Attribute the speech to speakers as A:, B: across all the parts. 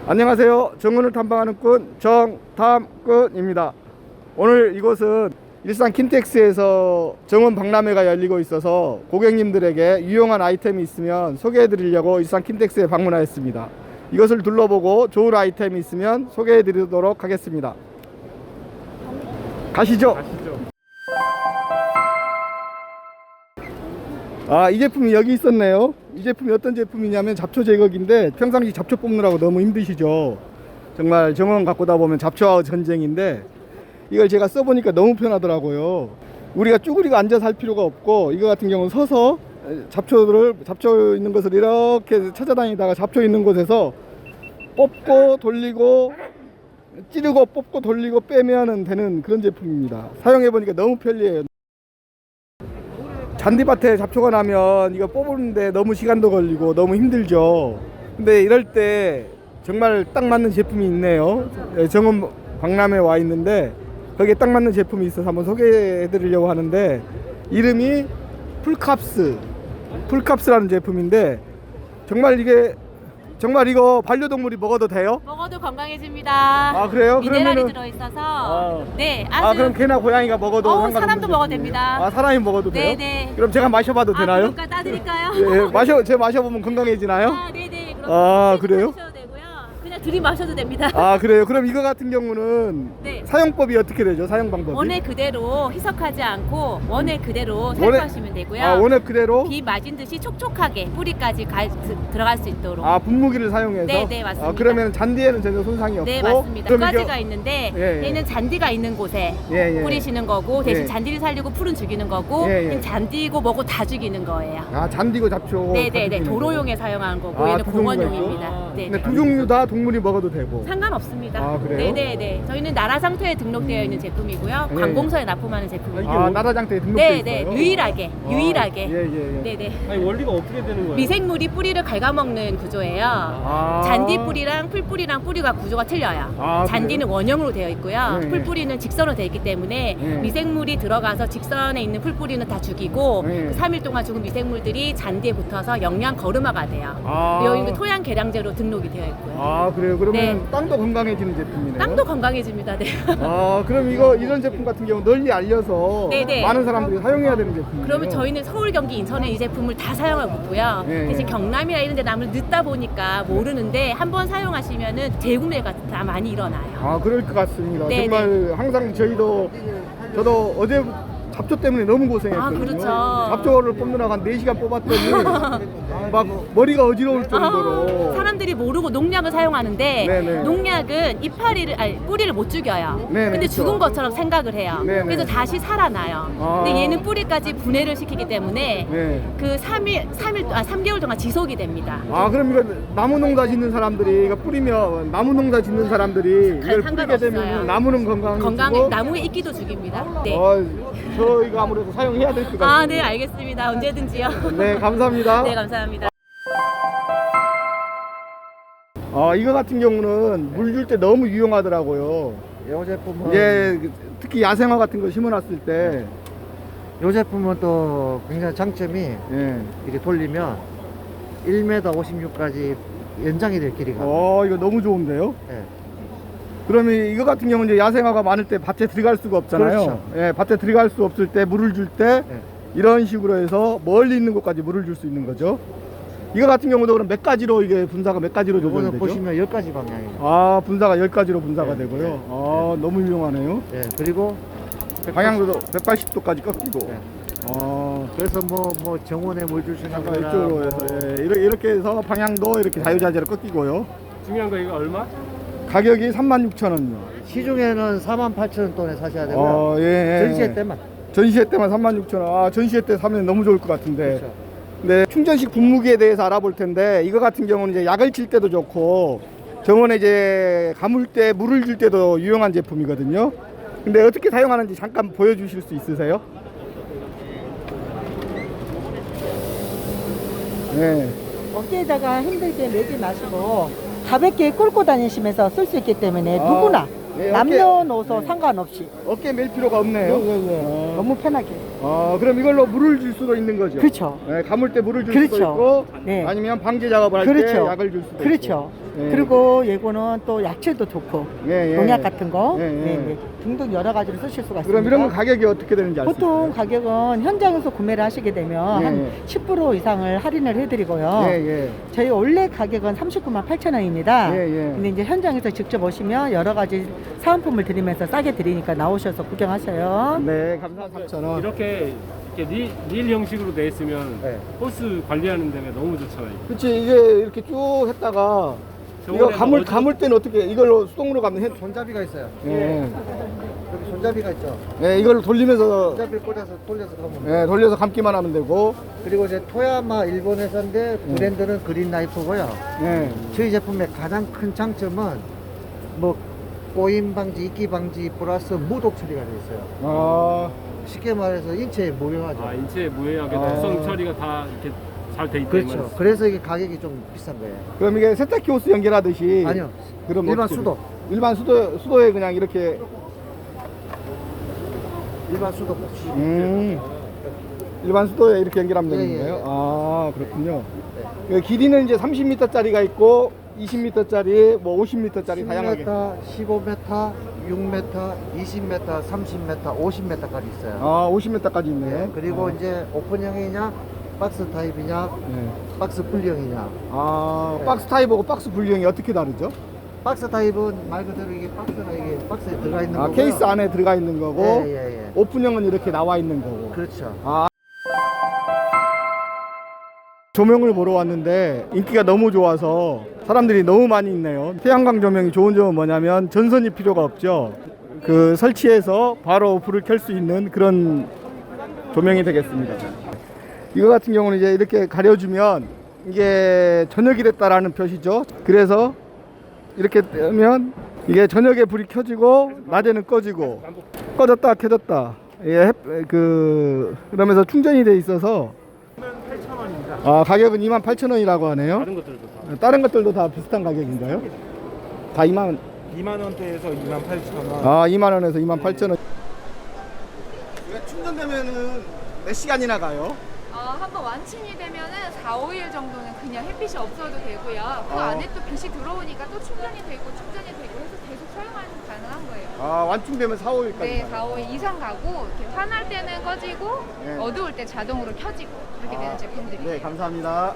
A: 안녕하세요. 정원을 탐방하는 꾼 정탐꾼입니다. 오늘 이곳은 일산 킨텍스에서 정원 박람회가 열리고 있어서 고객님들에게 유용한 아이템이 있으면 소개해 드리려고 일산 킨텍스에 방문하였습니다. 이것을 둘러보고 좋은 아이템이 있으면 소개해 드리도록 하겠습니다. 가시죠. 이 제품이 여기 있었네요. 이 제품이 어떤 제품이냐면 잡초 제거기인데 평상시 잡초 뽑느라고 너무 힘드시죠. 정말 정원 가꾸다 보면 잡초와 전쟁인데 이걸 제가 써보니까 너무 편하더라고요. 우리가 쭈그리고 앉아서 할 필요가 없고 이거 같은 경우는 서서 잡초 있는 것을 이렇게 찾아다니다가 잡초 있는 곳에서 뽑고 돌리고 찌르고 뽑고 돌리고 빼면 되는 그런 제품입니다. 사용해보니까 너무 편리해요. 잔디밭에 잡초가 나면 이거 뽑는데 너무 시간도 걸리고 너무 힘들죠. 근데 이럴 때 정말 딱 맞는 제품이 있네요. 정원 박람회에 와 있는데 거기에 딱 맞는 제품이 있어서 한번 소개해 드리려고 하는데 이름이 풀캅스라는 제품인데 정말 이거 반려동물이 먹어도 돼요?
B: 먹어도 건강해집니다.
A: 그래요?
B: 미네랄이 들어있어서 네, 아주
A: 그럼 개나 고양이가 먹어도 상관없는
B: 사람도 먹어도
A: 제품이에요?
B: 됩니다.
A: 사람이 먹어도 돼요?
B: 네네.
A: 그럼 제가 마셔봐도 되나요?
B: 그러니까 따드릴까요?
A: 예, 제가 마셔보면 건강해지나요?
B: 네네. 그럼
A: 그래요?
B: 드셔도 되고요. 그냥 들이마셔도 됩니다.
A: 그래요? 그럼 이거 같은 경우는
B: 네.
A: 사용법이 어떻게 되죠? 사용 방법이?
B: 원액 그대로 희석하지 않고 원액 그대로 사용하시면 되고요.
A: 원액 그대로?
B: 비 맞은 듯이 촉촉하게 뿌리까지 들어갈 수 있도록.
A: 분무기를 사용해서?
B: 네, 맞습니다.
A: 그러면 잔디에는 전혀 손상이 없고?
B: 네, 맞습니다. 두 가지가 있는데
A: 예.
B: 얘는 잔디가 있는 곳에
A: 예.
B: 뿌리시는 거고 대신
A: 예.
B: 잔디를 살리고 풀은 죽이는 거고
A: 예.
B: 얘는 잔디고 뭐고 다 죽이는 거예요.
A: 잔디고 잡초?
B: 네네네. 도로용에 사용하는 거고 얘는
A: 두 종류가
B: 공원용입니다.
A: 있고?
B: 네.
A: 근데 두 종류 다 동물이 먹어도 되고?
B: 상관없습니다.
A: 그래요?
B: 네네네. 저희는 나라 상태에 등록되어 있는 제품이고요.
A: 예.
B: 관공서에 납품하는 제품입니다.
A: 나라장터에 등록돼
B: 네네.
A: 있어요?
B: 유일하게.
A: 예.
B: 네네.
C: 아니 원리가 어떻게 되는 거예요?
B: 미생물이 뿌리를 갉아먹는 구조예요. 잔디 뿌리랑 풀 뿌리랑 뿌리가 구조가 틀려요. 잔디는 원형으로 되어 있고요.
A: 네.
B: 풀 뿌리는 직선으로 되어 있기 때문에
A: 네.
B: 미생물이 들어가서 직선에 있는 풀 뿌리는 다 죽이고
A: 네.
B: 그 3일 동안 죽은 미생물들이 잔디에 붙어서 영양 거름화가 돼요. 여기 토양 개량제로 등록이 되어 있고요.
A: 그래요? 그러면
B: 네.
A: 땅도 건강해지는 제품이네요?
B: 땅도 건강해집니다. 네.
A: 그럼 이런 제품 같은 경우 널리 알려서
B: 네네.
A: 많은 사람들이 사용해야 되는 제품이에요?
B: 그러면 저희는 서울, 경기, 인천에 이 제품을 다 사용하고 있고요.
A: 네.
B: 대신 경남이나 이런 데 나면 늦다 보니까 모르는데 한번 사용하시면은 재구매가 다 많이 일어나요.
A: 그럴 것 같습니다.
B: 네네.
A: 정말 항상 저도 어제 잡초 때문에 너무 고생했거든요.
B: 그렇죠.
A: 잡초를 뽑느라고 한 4시간 뽑았더니 막 머리가 어지러울 정도로
B: 사람들이 모르고 농약을 사용하는데
A: 네네.
B: 농약은 뿌리를 못 죽여요.
A: 네네,
B: 근데
A: 그렇죠.
B: 죽은 것처럼 생각을 해요.
A: 네네.
B: 그래서 다시 살아나요. 근데 얘는 뿌리까지 분해를 시키기 때문에
A: 네.
B: 그 3개월 동안 지속이 됩니다.
A: 그럼 이거 나무 농사 짓는 사람들이 이거 뿌리면 나무 농사 짓는 사람들이 이걸 뿌리게
B: 상관없어요.
A: 되면 나무는 건강해지고
B: 나무의 이끼도 죽입니다. 네.
A: 저희가 아무래도 사용해야 될 것 같아요.
B: 네, 알겠습니다. 언제든지요.
A: 네, 감사합니다.
B: 네, 감사합니다.
A: 이거 같은 경우는 물 줄 때 너무 유용하더라고요.
C: 이 제품은
A: 특히 야생화 같은 거 심어놨을 때
C: 이 제품은 또 굉장히 장점이 이렇게 돌리면 1m 56까지 연장이 될 길이가.
A: 이거 너무 좋은데요?
C: 예.
A: 그러면 이거 같은 경우는 이제 야생화가 많을 때 밭에 들어갈 수가 없잖아요.
C: 그렇죠.
A: 밭에 들어갈 수 없을 때 물을 줄 때 이런 식으로 해서 멀리 있는 곳까지 물을 줄 수 있는 거죠. 이거 같은 경우도 그럼 몇 가지로 이게 분사가 몇 가지로 조절이
C: 이거는
A: 되죠?
C: 보시면 10가지 방향이에요.
A: 분사가 10가지로 분사가
C: 네,
A: 되고요.
C: 네.
A: 너무 유용하네요.
C: 그리고
A: 방향도 180도까지 꺾이고.
C: 네. 그래서 뭐 정원에 물 줄 수 있는
A: 잠깐
C: 거나
A: 이쪽으로 해서 이렇게 해서 방향도 이렇게 자유자재로 꺾이고요.
C: 중요한 거 이거 얼마?
A: 가격이 36,000원이요.
C: 시중에는 48,000원에 사셔야 되고요. 전시회 때만.
A: 전시회 때만 36,000원. 전시회 때 사면 너무 좋을 것 같은데.
C: 그렇죠.
A: 네, 충전식 분무기에 대해서 알아볼 텐데 이거 같은 경우는 이제 약을 칠 때도 좋고 정원에 이제 가물 때 물을 줄 때도 유용한 제품이거든요. 근데 어떻게 사용하는지 잠깐 보여주실 수 있으세요? 네.
D: 어깨에다가 힘들게 매지 마시고 가볍게 끌고 다니시면서 쓸 수 있기 때문에 누구나
A: 네,
D: 남녀노소 상관없이
A: 어깨 멜 필요가 없네요.
D: 너무 편하게.
A: 그럼 이걸로 물을 줄 수도 있는 거죠?
D: 그렇죠.
A: 네, 가물 때 물을 줄
D: 그렇죠.
A: 수도 있고
D: 네.
A: 아니면 방제 작업을 할 때
D: 그렇죠.
A: 약을 줄 수도
D: 그렇죠.
A: 있고. 예.
D: 그리고 예고는 또 야채도 좋고
A: 예, 예.
D: 농약 같은 거
A: 예, 예.
D: 네. 등등 여러 가지로 쓰실 수가 있습니다.
A: 그럼 이런 거 가격이 어떻게 되는지 알 수 있어요?
D: 보통 가격은 현장에서 구매를 하시게 되면
A: 예,
D: 한 10% 이상을 할인을 해드리고요.
A: 예, 예.
D: 저희 원래 가격은 39만 8천 원입니다.
A: 예, 예.
D: 근데 이제 현장에서 직접 오시면 여러 가지 사은품을 드리면서 싸게 드리니까 나오셔서 구경하세요.
A: 네, 감사합니다. 3,000원.
E: 이렇게 닐 형식으로 돼 있으면
A: 네.
E: 호스 관리하는 데가 너무 좋잖아요.
A: 그치, 이게 이렇게 쭉 했다가 이거
E: 저번에
A: 감을 때는 어떻게 이걸로 수동으로 감는 해?
C: 손잡이가 있어요.
A: 예.
C: 여기 손잡이가 있죠.
A: 예, 이걸로 돌리면서
C: 손잡이를 꽂아서 돌려서 가면
A: 예, 돌려서 감기만 하면 되고.
C: 그리고 이제 토야마 일본 회사인데 브랜드는 그린 나이프고요.
A: 예.
C: 저희 제품의 가장 큰 장점은 뭐 꼬임 방지, 이끼 방지 플러스 무독 처리가 되어 있어요.
A: 아,
C: 쉽게 말해서 인체에 무효하죠.
E: 아, 인체에 무해하게
A: 아.
E: 독성 처리가 다 이렇게 잘 돼 있다.
C: 그렇죠. 그래서 이게 가격이 좀 비싼 거예요.
A: 그럼 이게 세탁기 호스 연결하듯이.
C: 아니요.
A: 그럼
C: 일반
A: 어떻게
C: 수도.
A: 돼요? 일반 수도에 그냥 이렇게.
C: 일반 수도
A: 일반 수도에 이렇게 연결하면 되는
C: 예, 예,
A: 거예요?
C: 예.
A: 아, 그렇군요. 그 길이는 이제 30m짜리가 있고 20m짜리, 뭐 50m짜리 다양하게.
C: 10m, 15m, 6m, 20m, 30m, 50m까지 있어요.
A: 아, 50m까지 있네.
C: 네, 그리고 이제 오픈형이냐, 박스 타입이냐,
A: 네.
C: 박스 분리형이냐.
A: 아, 박스 타입하고 박스 분리형이 어떻게 다르죠?
C: 박스 타입은 말 그대로 이게 박스가 이게 박스에 들어가 있는
A: 아,
C: 거고요.
A: 케이스 안에 들어가 있는 거고,
C: 예.
A: 오픈형은 이렇게 나와 있는 거고.
C: 그렇죠.
A: 아. 조명을 보러 왔는데 인기가 너무 좋아서 사람들이 너무 많이 있네요. 태양광 조명이 좋은 점은 뭐냐면 전선이 필요가 없죠. 그 설치해서 바로 불을 켤 수 있는 그런 조명이 되겠습니다. 이거 같은 경우는 이제 이렇게 가려주면 이게 저녁이 됐다라는 표시죠. 그래서 이렇게 뜨면 이게 저녁에 불이 켜지고 낮에는 꺼지고 꺼졌다 켜졌다. 예, 그러면서 충전이 돼 있어서 아, 가격은 28,000원이라고 하네요.
E: 다른 것들도 다.
A: 다른 것들도 다 비슷한 가격인가요? 다 2만
F: 2만 원대에서 2만 8천 원.
A: 아, 2만 원에서 28,000원. 충전되면은 몇 시간이나 가요?
G: 한번 완충이 되면은 4, 5일 정도는 그냥 햇빛이 없어도 되고요. 그 안에 또 빛이 들어오니까 또 충전이 되고 해서 계속 사용하는 가능한 거예요.
A: 아, 완충되면 4, 5일까지.
G: 네, 4, 5일 이상 가고 이렇게 환할 때는 꺼지고
A: 네.
G: 어두울 때 자동으로 켜지고 그렇게 되는 제품들이에요.
A: 네, 감사합니다.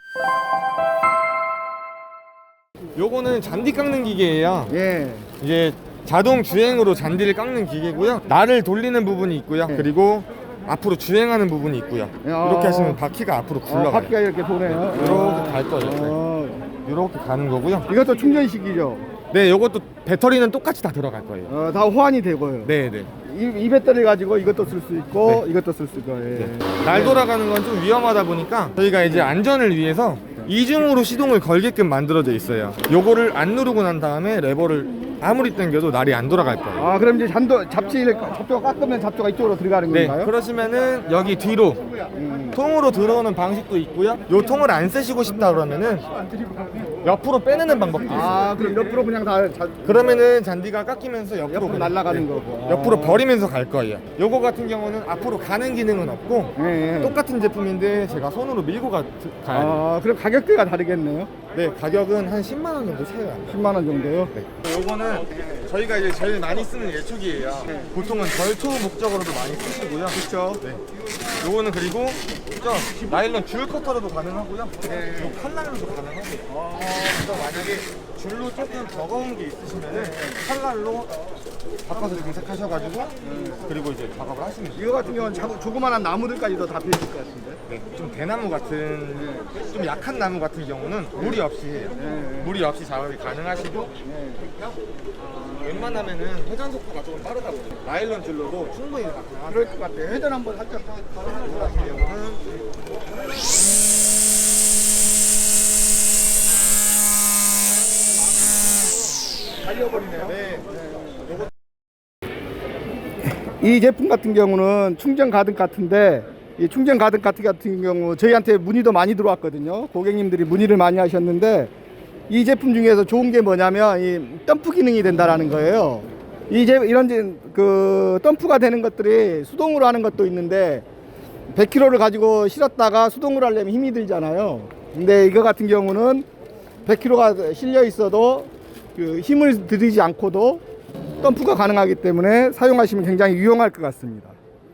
F: 요거는 잔디 깎는 기계예요.
A: 예.
F: 이제 자동 주행으로 잔디를 깎는 기계고요. 날을 돌리는 부분이 있고요.
A: 네.
F: 그리고 앞으로 주행하는 부분이 있고요. 이렇게 하시면 바퀴가 앞으로 굴러가요.
A: 바퀴가 이렇게 도네요.
F: 이렇게 갈 거예요. 이렇게 가는 거고요.
A: 이것도 충전식이죠.
F: 네, 요것도 배터리는 똑같이 다 들어갈 거예요.
A: 다 호환이 되고요.
F: 네, 네.
A: 이 배터리 가지고 이것도 쓸 수 있고
F: 네.
A: 이것도 쓸 수 있고. 예.
F: 날 돌아가는 건 좀 위험하다 보니까 저희가 이제 안전을 위해서 이중으로 시동을 걸게끔 만들어져 있어요. 요거를 안 누르고 난 다음에 레버를 아무리 당겨도 날이 안 돌아갈 거예요.
A: 아, 그럼 이제 잡초가 깎으면 잡초가 이쪽으로 들어가는
F: 네,
A: 건가요?
F: 그러시면은 여기 뒤로 통으로 들어오는 방식도 있고요. 요 통을 안 쓰시고 싶다 그러면은 옆으로 빼내는 방법도 있어요.
A: 아, 그럼 옆으로 그냥
F: 그러면은 잔디가 깎이면서 옆으로
A: 옆으로
F: 그냥,
A: 날아가는 거고.
F: 옆으로 버리면서 갈 거예요. 요거 같은 경우는 앞으로 가는 기능은 없고
A: 예, 예.
F: 똑같은 제품인데 제가 손으로 밀고 가야 돼요.
A: 아, 그럼 가격대가 다르겠네요.
F: 네, 가격은 한 10만 원 정도 차이가 안 나요.
A: 10만 원 정도요.
F: 네. 요거는 저희가 이제 제일 많이 쓰는 예초기예요. 보통은 절초 목적으로도 많이 쓰시고요. 그렇죠. 네. 요거는 그리고 저 나일론 줄 커터로도 가능하고요. 요 칼날로도 가능하고요. 그래서 만약에 줄로 조금 버거운 게 있으시면은 칼날로 바꿔서 장착하셔가지고 그리고 이제 작업을 하시면 돼요.
A: 이거 같은 경우는 조그만한 나무들까지도 다 필요할 것 같은데.
F: 네, 좀 대나무 같은 좀 약한 나무 같은 경우는 무리 없이 해요. 무리 없이 작업이 가능하시고 웬만하면은 회전 속도가 조금 빠르다 보니까 나일론 줄로도 충분히 가능하고
A: 그럴 것 같아요. 회전 한번 살짝
F: 이거 같은 경우는
A: 달려버리네요. 이 제품 같은 경우는 충전 가득 같은데 이 충전 가득 같은 경우 저희한테 문의도 많이 들어왔거든요. 고객님들이 문의를 많이 하셨는데 이 제품 중에서 좋은 게 뭐냐면 이 덤프 기능이 된다라는 거예요. 이런 그 덤프가 되는 것들이 수동으로 하는 것도 있는데 100kg를 가지고 실었다가 수동으로 하려면 힘이 들잖아요. 근데 이거 같은 경우는 100kg가 실려 있어도 그 힘을 들이지 않고도 덤프가 가능하기 때문에 사용하시면 굉장히 유용할 것 같습니다.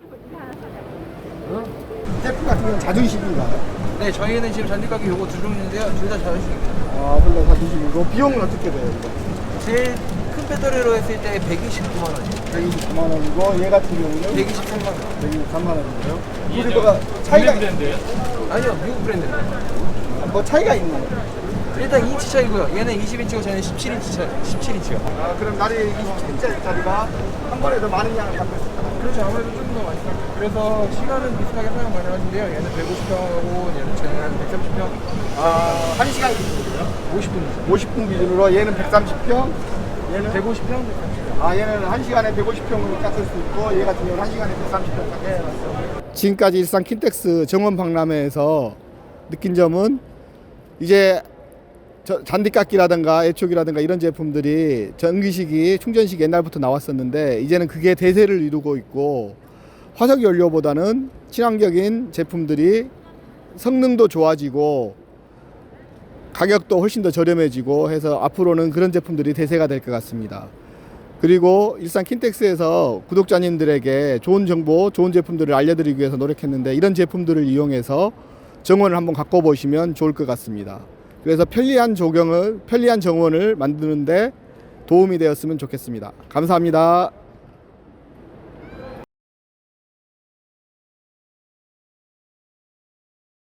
A: 제품 같은 경우는 자주식인가요?
H: 네, 저희는 지금 잔디가게 요거 두 종류인데요. 둘 다 자주식입니다.
A: 아, 둘 다 자주식이고 비용은 어떻게 돼요? 이거?
H: 제일 큰 배터리로 했을 때 129만 원이에요.
A: 129만 원이고 얘 같은 경우는
H: 123만 원.
A: 123만 원이고요. 둘이 뭐가 차이가
E: 브랜드예요?
H: 아니요, 미국 브랜드입니다.
A: 뭐 차이가 있나요?
H: 일단 2인치 차이고요. 얘는 20인치고 저는 17인치 차, 17인치요.
A: 아, 그럼 날이 27짜리가 한 번에 더 많은 양을 갖고 있습니다.
H: 그렇죠. 아무래도 좀 더 많이 써요. 그래서 시간은 비슷하게 사용 가능하신데요. 얘는 150평하고 얘는 쟤는 130평.
A: 아, 1시간 기준으로요?
H: 50분.
A: 50분 기준으로 얘는 130평, 얘는
H: 150평?
A: 아, 얘는 1시간에 150평으로 깎을 수 있고 얘 같은 경우는 1시간에 130평 깎을 수 있어요. 지금까지 일산 킨텍스 정원 박람회에서 느낀 점은 이제 잔디깎기라든가 애촉이라든가 이런 제품들이 전기식이 충전식이 옛날부터 나왔었는데 이제는 그게 대세를 이루고 있고 화석 연료보다는 친환경인 제품들이 성능도 좋아지고 가격도 훨씬 더 저렴해지고 해서 앞으로는 그런 제품들이 대세가 될 것 같습니다. 그리고 일산 킨텍스에서 구독자님들에게 좋은 정보, 좋은 제품들을 알려드리기 위해서 노력했는데 이런 제품들을 이용해서 정원을 한번 갖고 보시면 좋을 것 같습니다. 그래서 편리한 정원을 만드는데 도움이 되었으면 좋겠습니다. 감사합니다.